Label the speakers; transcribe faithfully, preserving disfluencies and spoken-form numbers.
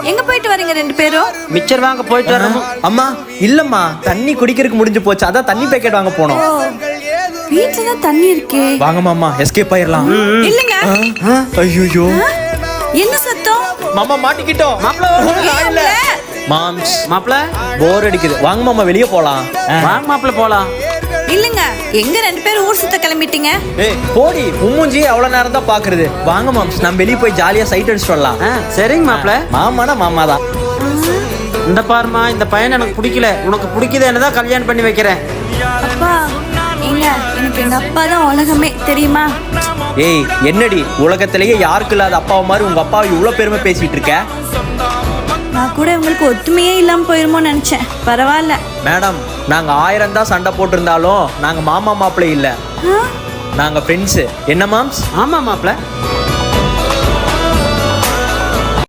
Speaker 1: எங்க போயிட்டு வரீங்க ரெண்டு பேரும்?
Speaker 2: மிச்சர் வாங்க போயிட்டு வரோம்.
Speaker 3: அம்மா இல்லம்மா, தண்ணி குடிக்கிறதுக்கு முடிஞ்சு போச்சு, அதான் தண்ணி பேக்கெட் வாங்க போனோம்.
Speaker 1: வீட்ல தான் தண்ணி இருக்கே.
Speaker 3: வாங்க மாமா, எஸ்கேப் ஆயிரலாம்.
Speaker 1: இல்லங்க.
Speaker 3: ஐயோ
Speaker 1: என்ன சத்தம்?
Speaker 3: மாமா மாட்டிக்கிட்டோம்.
Speaker 2: மாப்பிள்ள
Speaker 3: மாம்ஸ்
Speaker 2: மாப்பிள்ள
Speaker 3: போர் அடிக்குது, வாங்க மாமா வெளியே போலாம்.
Speaker 2: வாங்க மாப்பிள்ள போலாம்.
Speaker 1: இல்லங்க, எங்க ரெண்டு பேரும் ஊர் சுத்த கிளம்பிட்டீங்க?
Speaker 3: ஏய் போடி, உம்முஞ்சி அவ்வளவு நேரம் தான் பாக்குறது. வாங்க மாம்ஸ், நம்ம வெளியே போய் ஜாலியா சைட் அடிச்சுட்டு வரலாம்.
Speaker 2: ஆ, சரிங்க மாப்பிள்ள.
Speaker 3: மாமானா மாமா தான்.
Speaker 2: இந்த பாருமா, இந்த பையன் எனக்கு பிடிக்கல. உனக்கு பிடிக்குது என்னதான் கல்யாணம் பண்ணி வைக்கிறேன்.
Speaker 1: அப்பா ஏங்க, எனக்கு எங்க அப்பா தான் உலகமே தெரியுமா?
Speaker 3: ஏய் என்னடி, உலகத்திலேயே யாருக்கு இல்லாத அப்பாவை மாதிரி உங்க அப்பாவை இவ்வளவு பெருமை பேசிட்டு இருக்க?
Speaker 1: நான் கூட உங்களுக்கு ஒத்துமையே இல்லாம போயிருமோன்னு நினைச்சேன். பரவாயில்ல
Speaker 3: மேடம், நாங்க ஆயிரம் தான் சண்டை போட்டிருந்தாலும் நாங்க மாமா மாப்பிள்ளை இல்ல,
Speaker 1: ஆ?
Speaker 3: நாங்க ஃப்ரெண்ட்ஸ். என்ன மாம்ஸ்?
Speaker 2: ஆமா மாப்பிள்ள.